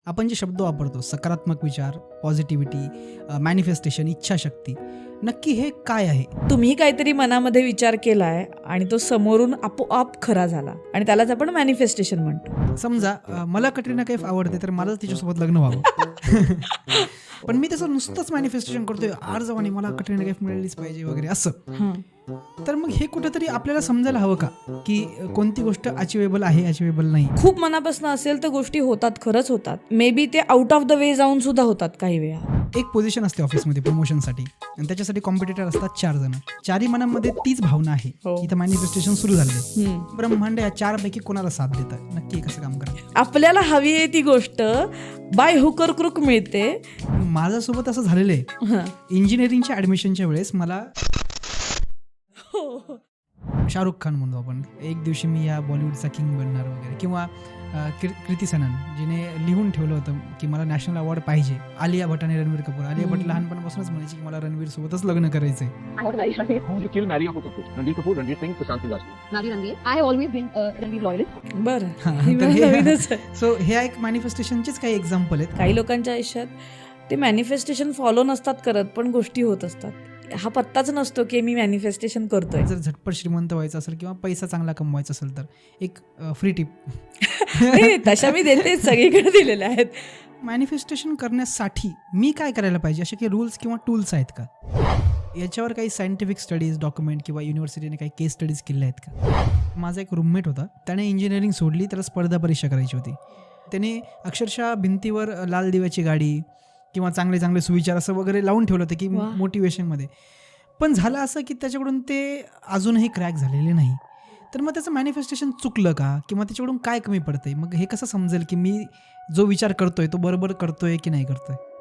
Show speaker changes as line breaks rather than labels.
आपण जे शब्द वापरतो, सकारात्मक विचार, पॉझिटिव्हिटी, मॅनिफेस्टेशन, इच्छाशक्ती, नक्की हे काय आहे?
तुम्ही काहीतरी मनामध्ये विचार केलाय आणि तो समोरून आपोआप खरा झाला आणि त्यालाच आपण मॅनिफेस्टेशन म्हणतो.
समजा मला कटरीना कैफ आवडते, तर मला तिच्यासोबत लग्न व्हावं. पण मी त्याचं नुसतंच मॅनिफेस्टेशन करतोय, आर्जवानी मला कटरीना कैफ मिळालीच पाहिजे वगैरे असं. तर मग हे कुठेतरी आपल्याला समजायला हवं का, की कोणती गोष्ट अचिवेबल आहे, अचिवेबल नाही?
खूप मनापासून असेल तर गोष्टी होतात, खरंच होतात. मे बी ते आउट ऑफ द वे जाऊन सुद्धा होतात काही वेळा.
एक पोझिशन असते ऑफिसमध्ये प्रमोशनसाठी, आणि त्याच्यासाठी कॉम्पिटिटर असतात 4 जण. 4ही मनामध्ये तीच भावना आहे. इथं मॅनिफेस्टेशन सुरू झाले. ब्रह्मांड या 4पैकी कोणाला साथ देतं? नक्की कसं काम करा?
आपल्याला हवी आहे ती गोष्ट बाय हुकर क्रुक मिळते.
माझ्यासोबत असं झालेलं आहे. इंजिनिअरिंगच्या ऍडमिशनच्या वेळेस मला शाहरुख खान म्हणतो आपण, एक दिवशी मी या बॉलिवूडचा किंग बनणार वगैरे, किंवा कृती सनन जिने लिहून ठेवलं होतं की मला नॅशनल अवॉर्ड पाहिजे. आलिया भट आणि रणवीर कपूर. आलिया भट लहानपणापासूनच म्हणायची की मला रणवीर सोबतच लग्न करायचंय. सो हे एक मॅनिफेस्टेशनचेच काही एक्झाम्पल आहेत.
काही लोकांच्या आयुष्यात ते मॅनिफेस्टेशन फॉलो नसतात करत, पण गोष्टी होत असतात. हा पत्ताच नसतो की मी मॅनिफेस्टेशन करतोय.
जर झटपट श्रीमंत व्हायचं असेल किंवा पैसा चांगला कमवायचा असेल, तर एक फ्री टिप
तशा मी देते, सगळीकडे दिलेल्या आहेत.
मॅनिफेस्टेशन करण्यासाठी मी काय करायला पाहिजे, असे काही रूल्स किंवा टूल्स आहेत का? याच्यावर काही सायंटिफिक स्टडीज, डॉक्युमेंट किंवा युनिव्हर्सिटीने काही केस स्टडीज केल्या आहेत का? माझा एक रूममेट होता, त्याने इंजिनिअरिंग सोडली, त्याला स्पर्धा परीक्षा करायची होती. त्याने अक्षरशः भिंतीवर लाल दिव्याची गाडी किंवा चांगले चांगले सुविचार असं वगैरे लावून ठेवलं होतं की मोटिवेशनमध्ये. पण झालं असं की त्याच्याकडून ते अजूनही क्रॅक झालेले नाही. तर मग त्याचं मॅनिफेस्टेशन चुकलं का, किंवा त्याच्याकडून काय कमी पडतंय? मग हे कसं समजेल की मी जो विचार करतोय तो बरोबर करतोय की नाही करतोय?